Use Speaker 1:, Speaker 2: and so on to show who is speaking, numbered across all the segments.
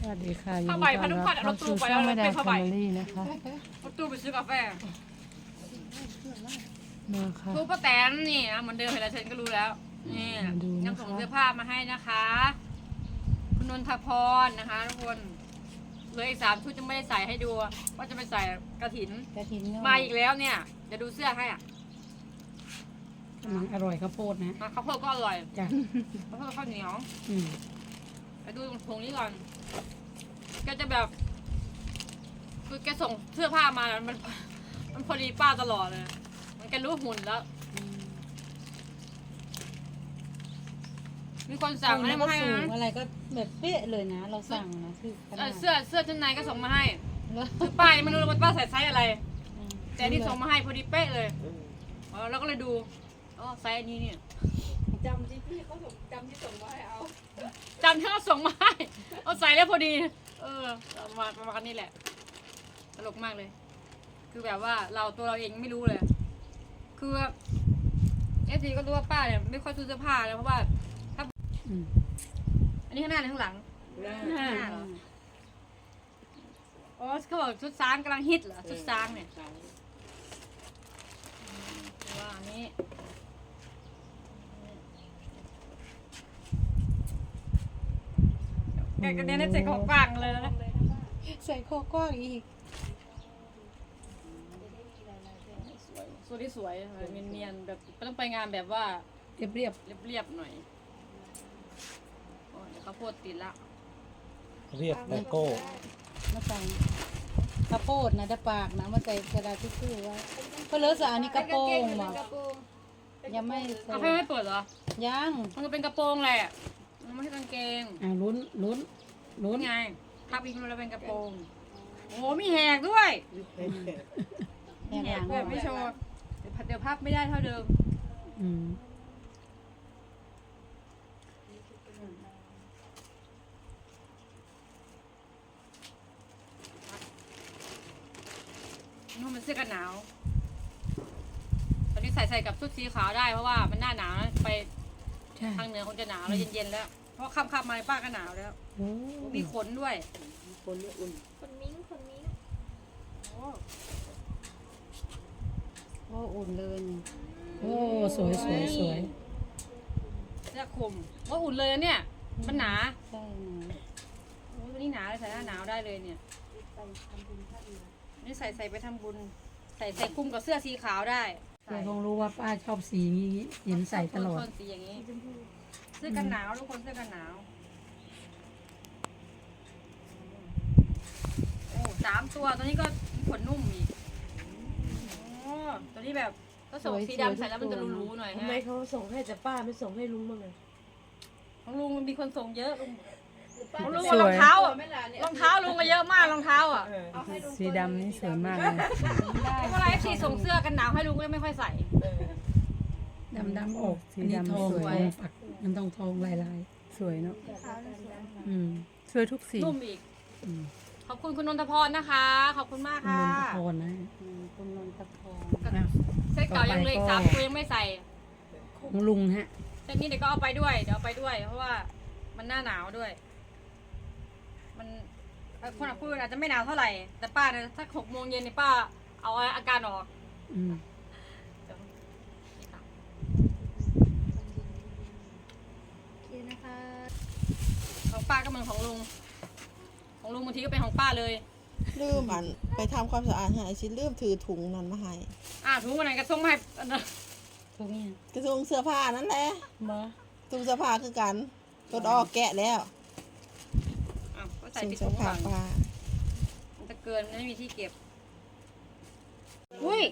Speaker 1: สวัสดีค่ะยิน
Speaker 2: ผ้า
Speaker 1: ดี
Speaker 2: ใบ
Speaker 1: ต้
Speaker 2: พั
Speaker 1: อน น
Speaker 2: ธุ์
Speaker 1: รับ
Speaker 2: พันเรา
Speaker 1: เข้า
Speaker 2: ตู้
Speaker 1: สู่
Speaker 2: ไป
Speaker 1: ช่
Speaker 2: แล้
Speaker 1: อ
Speaker 2: ว
Speaker 1: งแม่
Speaker 2: เรา
Speaker 1: ดา
Speaker 2: เป็น
Speaker 1: แฟ
Speaker 2: ผ้าใบ
Speaker 1: มิลี่นะคะ
Speaker 2: เราตู้ไปซื้อกาแฟ
Speaker 1: มาค่ะ
Speaker 2: ตู้ป้าแตนนี่นะเหมือนเดิมเห็นแล้วฉันก็รู้แล้วนี่
Speaker 1: มาดูนะคะ
Speaker 2: นำส่งเสื้อผ้ามาให้นะคะ คุณนนทพรนะคะทุกคนเหลืออีก3 ชุดยังไม่ได้ใส่ให้ดูว่าจะไปใส่กระถิน
Speaker 3: กระถินเนอะ
Speaker 2: มาอีกแล้วเนี่ยจะดูเสื้อให้อ่ะ
Speaker 3: อร่อยข้าวโพดนะ
Speaker 2: ข้าวโพดก็อร่อย
Speaker 3: จ้ะ
Speaker 2: ข้าวโพดกับข้าวเหนียว
Speaker 3: อืม
Speaker 2: ไปดูตรงถุงนี้ก่อนแกจะแบบคือแกส่งเสื้อผ้ามาแล้วมันพอดีป้าตลอดเลยมันแกรู้หุ่นแล้ว มีคนสั่งอะไรมาให้
Speaker 3: สูง
Speaker 2: นะ
Speaker 3: อะไรก็แบบเป๊ะเลยนะ เราสั่งนะคือขนาด
Speaker 2: เสื้อชั้นในก็ส่งมาให้
Speaker 3: แล้ว
Speaker 2: คือป้ายังไม่รู้เลยว่าป้าใส่ไซส์อะไร
Speaker 3: อืม
Speaker 2: แต่นี่ส่งมาให้พอดีเป๊ะเลยแล้วก็เลยดูอ๋อไซส์อันนี้เนี่ย
Speaker 4: จำที่พี่เขาส่งจำที่ส่งมาให้เอา
Speaker 2: จำที่เขาส่งมาให้เอาใส่แล้วพอดี ประมาณนี้แหละตลกมากเลย คือแบบว่าตัวเราเองไม่รู้เลย คือFTก็รู้ว่าป้าเนี่ยไม่ค่อยซื้อเสื้อผ้าเลยเพราะว่า
Speaker 3: อืม
Speaker 2: อันนี้ข้างหน้าหรือข้างหลัง
Speaker 4: หน้า
Speaker 2: ข้างหน้าเหรออ๋อเขาบอกชุดช้างกำลังฮิตเหรอชุดช้างเนี่ยว่าอันนี้แกกระเด็นได้ใจของกลางเลยนะ
Speaker 3: ใส่คอกว้างอีก
Speaker 2: สวยสวยเนียนๆแบบต้องไปงานแบบว่า
Speaker 3: เรียบเรียบ
Speaker 2: เรียบๆหน่อยโอ้ยเดี๋ยวเขาวโพดติดละ
Speaker 5: เรียบไลโก้
Speaker 3: มาใส่ข้าวโพดนะแต่ปากนะมาใส่กระดาษทิชชู่ไว้เพื่อเลิศอันนี้กระโปรงบ่ยังไม่ใส่
Speaker 2: เอาให้ไม่เปิดเหรอ
Speaker 3: ยัง
Speaker 2: มันก็เป็นกระโปรงแหละมันไม่ใช่กางเกง
Speaker 3: ลุ้นลุ้น
Speaker 2: รู้ไงพับอีกมันแล้วเป็นกระโปรง โอ้มีแหกด้วย
Speaker 3: แหกหลัง
Speaker 2: แบบไม่โชว์เดี๋ยวพับไม่ได้เท่าเดิม
Speaker 3: อืม
Speaker 2: นู่นมันเสื้อกันหนาว ตอนนี้ใส่กับชุดสีขาวได้เพราะว่ามันหน้าหนาวนะไป
Speaker 3: ใช่
Speaker 2: ทางเหนือคงจะหนาวแล้วเย็นๆแล้ว เพราะค่ำๆมาป้าก็หนาวแล้ว
Speaker 3: โอ้
Speaker 2: มีขนด้วย
Speaker 4: คนมิ้งคนมิ้ง
Speaker 3: โอ้อุ่นเลยนี่โอ้สวยสวยสวย
Speaker 2: เสื้อคลุมว่าอุ่นเลยนะเนี่ย มันหนา
Speaker 3: ใช่นะ
Speaker 2: โอ้ตัวนี้หนาเลยใส่หน้าหนาวได้เลยเนี่ย นี่ใส่ไปทำบุญ ใส่คลุมกับเสื้อสีขาวได้
Speaker 3: แต่คงรู้ว่าป้าชอบสีนี้เห็นใส่ตลอด
Speaker 2: โทนสีอย่างนี้ เสื้อกันหนาวทุกคนเสื้อกันหนาว โอ้3 ตัวตัวนี้ก็ขนนุ่มอีกโอ้ตัวนี้แบบก็ส่งสีดำใส่แล้วมันจะรู้ๆหน่อย
Speaker 4: ทำ
Speaker 2: ฮะ
Speaker 4: ไมเขาส่งให้แต่ป้าไม่ส่งให้ลุงบ้างเลย
Speaker 2: ของลุงมันมีคนส่งเยอะลุง
Speaker 4: ป้า
Speaker 2: ของลุง
Speaker 3: สวย
Speaker 2: รองเท้าอะ
Speaker 4: ไม่ล่ะเนี่ย
Speaker 2: รองเท้าลุงก็เยอะมากรองเท้าอ่ะ
Speaker 4: เอาให้ลุง
Speaker 1: สีดำนี่สวยมากเลย
Speaker 2: เวลาที่ส่งเสื้อกันหนาวให้ลุงก็ไม่ค่อยใส่
Speaker 3: ดำดำออก
Speaker 1: สี
Speaker 3: อันนี้
Speaker 1: ดำ
Speaker 3: ทอง
Speaker 1: สวย
Speaker 3: ทองปักมันต้องทองลาย
Speaker 1: สวยเนาะอืมสวยทุกสี
Speaker 2: นุ่มอีก
Speaker 3: ๆอืม
Speaker 2: ขอบคุณคุณนนทพรนะคะ ขอบคุณมาก
Speaker 3: คุณ
Speaker 2: ค่ะ
Speaker 3: นนทพรนะคุณนนทพร
Speaker 2: เส้นเก่ายังเหลย3 ตัวยังไม่ใส่
Speaker 3: ของลุงฮะ
Speaker 2: เส้นนี้เดี๋ยวก็เอาไปด้วยเดี๋ยวเอาไปด้วย เพราะว่ามันหน้าหนาวด้วย มันคนพูดอาจจะไม่หนาวเท่าไหร่ แต่ป้าเนี่ยถ้า6 โมงเย็นเนี่ยป้าเอาอาการออก
Speaker 3: อืม
Speaker 2: ของป้าก็เหมือนของลุง ของลุงบางทีก็เป็นของป้าเลย
Speaker 6: ลืมอันไปทำความสะอาดให้สิลืมถือถุงนั้นมาให้
Speaker 2: ถุงวันไหนกระส่งมาให้อันนั้น
Speaker 3: ทุกอย่าง
Speaker 6: กระถุงเสื้อผ้านั่นแหละ
Speaker 3: บ่
Speaker 6: ถุงเสื้อผ้าคือกันต้นออกแกะแล้ว
Speaker 2: ก็ใส่
Speaker 6: ถุง
Speaker 2: ปิด
Speaker 6: เสื้
Speaker 2: ถุ
Speaker 6: อง ผ้า
Speaker 2: ก่อน
Speaker 6: ป้า
Speaker 2: มันจะเกินมันไม่มีที่เก็บ อุ้ย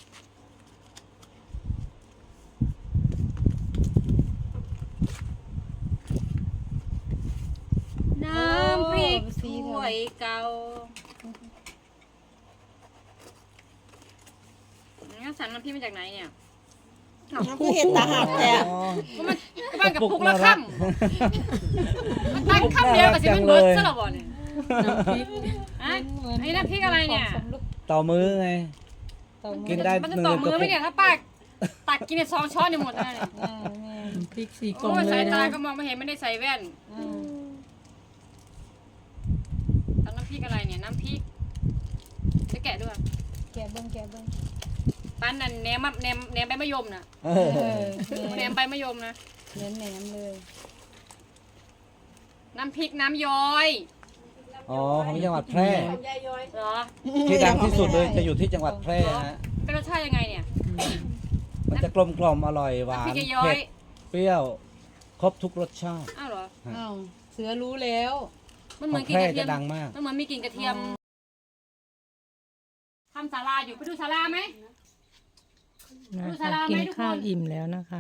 Speaker 2: น้ำพริกถ้วยเก่างั้นสั่งน้ำพริกมาจากไหนเนี่ย
Speaker 6: น้ำคือเห็ดตาหักแท้
Speaker 2: ก็มันกับปุกละค่ำมันตั้งค่ำเดียวกับสิมันเบิร์ดซะหรอบ่เนี่ย
Speaker 3: น้ำพริก
Speaker 2: อ่ะไอ้น้ำพริกอะไรเนี่ย
Speaker 5: ต่อมือไง
Speaker 3: ต่อมื
Speaker 5: กิ
Speaker 3: อน
Speaker 5: ได้
Speaker 2: มันจะต่อมือไหมเนี่ยถ้าป้าตักกินใน2 ช้อนเนี่ยหมดแล้วเนี่ย
Speaker 3: น้ำพริก4 กล่อง
Speaker 2: โอ้ย
Speaker 3: เล
Speaker 2: สาย ย
Speaker 3: นะ
Speaker 2: ตาก็มองไม่เห็นไม่ได้ใส่แว่น
Speaker 3: อืม
Speaker 2: ำน้ำพริกอะไรเนี่ยน้ำพริกจะแกะด้วย
Speaker 3: แกะเบิ้งแกะเบิ้ง
Speaker 2: ปั้นนั่นแหนมใบมะยมน่ะ
Speaker 5: เอ
Speaker 3: เอ
Speaker 5: อ
Speaker 3: อ
Speaker 2: แหนมใบมะยมนะ
Speaker 3: แหนมเลย
Speaker 2: น้ำพริกน้ำย้อย
Speaker 5: อ๋อของจังหวัดแพร่
Speaker 4: ของยายย้อย
Speaker 2: เหรอ
Speaker 5: ที่ดังที่สุดเลยจะอยู่ที่จังหวัดแพร่ฮะ
Speaker 2: เป็นรสชาติยังไงเนี่ย
Speaker 5: มันจะกลมกล่อมอร่อยหวา
Speaker 2: น้ำพริ
Speaker 5: น
Speaker 2: กย้อ
Speaker 5: เผ็
Speaker 2: ย
Speaker 5: ดเปรี้ยวครบทุกรสชาติ
Speaker 2: อ้าวเหรอ
Speaker 3: อ้าวเสือรู้แล้ว
Speaker 2: มันเห
Speaker 5: ข
Speaker 2: มื
Speaker 5: อ
Speaker 2: อน
Speaker 5: ง
Speaker 2: กิน
Speaker 5: แพร่
Speaker 2: กระเที
Speaker 5: จะ
Speaker 2: ยม
Speaker 5: ดังมาก
Speaker 2: มันเหมือนมีกลิ่นกระเทียมทำศาลาอยู่ไปดูศาลาไหม
Speaker 1: นะคะกินข้าวอิ่มแล้วนะคะ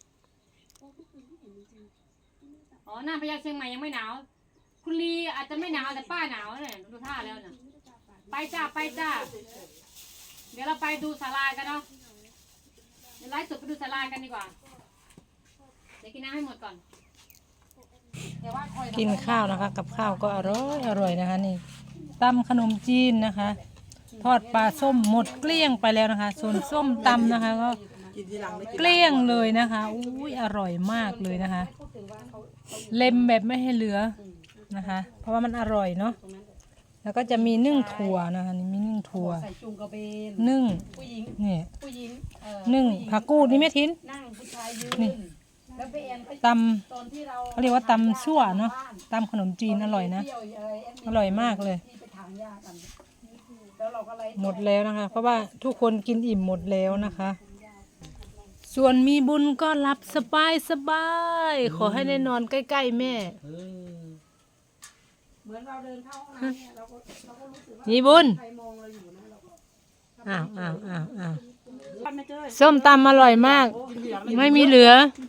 Speaker 2: อ๋อหน้าพญาเชียงใหม่ยังไม่หนาว คุณลีอาจจะไม่หนาวแต่ป้าหนาวเนี่ยดูท่าแล้วน่ะไปจ้าไปจ้าเดี๋ยวเราไปดูศาลากันเนาะเดี๋ยวไลฟ์สดไปดูศาลากันดีกว่าเดี๋ยวกินน้ำให้หมดก่อนแต่ว่าคอย
Speaker 1: กินข้าวนะคะ กับข้าวก็อร่อยนะคะนี่ตำขนมจีนนะคะ ทอดปลาส้มหมดเกลี้ยงไปแล้วนะคะ ส่วนส้มตำนะคะก็
Speaker 6: กินทีหลังไม่กิน
Speaker 1: เกลี้ยงเลยนะคะอุ้ยอร่อยมากเลยนะคะ เล็มแบบไม่ให้เหลือนะคะ เพราะว่ามันอร่อยเนาะแล้วก็จะมีนึ่งถั่วนะคะนี่มีนึ่งถั่ว
Speaker 3: ใส่จุงกระเบน
Speaker 1: นึ่ง
Speaker 3: ผู้หญิง
Speaker 1: นี่
Speaker 3: ผู้หญิง
Speaker 1: นึ่งผักกูดนี่แม่ทิน
Speaker 3: นั่งผู้ชายยืน
Speaker 1: นี่
Speaker 3: แล้วไปแอนก็
Speaker 1: ต
Speaker 3: ตอนที่เรา
Speaker 1: ำเขาเรียกว่าตำซั่วเนาะตำขนมจีนอร่อยนะ
Speaker 3: เที่ยวอะไรแน
Speaker 1: อร่อยมากเลย
Speaker 3: ที่ไปถางหญ้ากันแล้วเราก็ไล่
Speaker 1: หมดแล้วนะคะ เพราะว่าทุกคนกินอิ่มหมดแล้วนะคะ ส่วนมีบุญก็รับสบายขอให้ได้นอนใกล้ๆแม่
Speaker 5: เออ
Speaker 3: เหมือนเราเดินเข้าห้องน้ำเนี่ยเราก็รู้สึกว่า
Speaker 1: มีบุญ
Speaker 3: ใครมองเราอยู่นะเราก็
Speaker 1: อ้าว
Speaker 3: ปั้นไม่เจอ
Speaker 1: ส้มตำอร่อยมาก ไม่มีเหลือ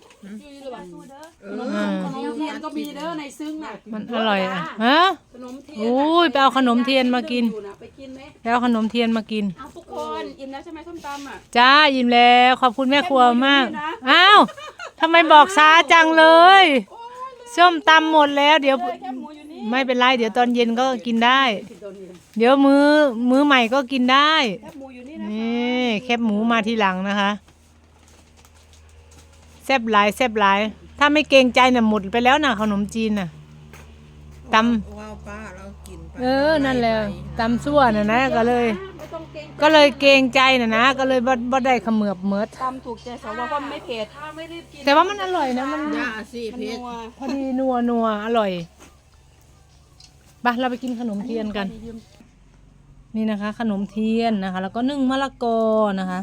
Speaker 3: ขนมเทียนก็มีเด้อในซึ้งน่ะ
Speaker 1: มันอร่อยอ่ะฮะ
Speaker 3: ขนมเทียน
Speaker 1: โอ้ยไปเอาขนมเทียนมากิน
Speaker 3: อยู่ะไปกินไหม
Speaker 1: ไปเอาขนมเทียนมากิน
Speaker 3: เอาทุกคนอิ่มแล้วใช่ไหมส้มตำอ่ะ
Speaker 1: จ้ายิ้มแล้วขอบคุณแม่ครัวมาก อ้าวทำไมบอกช้าจังเลย ส้มตำหมดแล้วเดี๋ยว
Speaker 3: แค่หมูอยู่นี่
Speaker 1: ไม่เป็นไรเดี๋ยวตอนเย็นก็กินได้ เดี๋ยวมื้อใหม่ก็กินได้
Speaker 3: แค่หมูอยู่นี่นะ
Speaker 1: นี่แคบหมูมาทีหลังนะคะแซ่บหลายถ้าไม่เกรงใจน่ะหมดไปแล้วนะขนมจีนน่ะต
Speaker 6: ว้าวป้าเรากินไป
Speaker 1: ำนั่นแหละตำซั่วน่ะนะก็เลย
Speaker 3: ไม่ต้องเกรง
Speaker 1: ก็เลยเกรงใจน่ะนะก็เลยบ่ได้เขมือบเมิด
Speaker 3: ตำถูกใจสาวว่าไม่เผ็ดถ้าไม่รีบกิน
Speaker 1: แต่ว่ามันอร่อยนะมัน
Speaker 6: ย่าสิ
Speaker 3: มัน
Speaker 6: เพชร
Speaker 3: นัว
Speaker 1: พอดีนัวอร่อยไปเราไปกินขนมเทียนกัน นี่นะคะ ขนมเทียนนะคะ แล้วก็นึ่งมะละกอนะคะ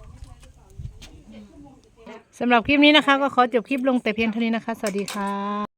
Speaker 1: สำหรับคลิปนี้นะคะ ก็ขอจบคลิปลงแต่เพียงเท่านี้นะคะ สวัสดีค่ะ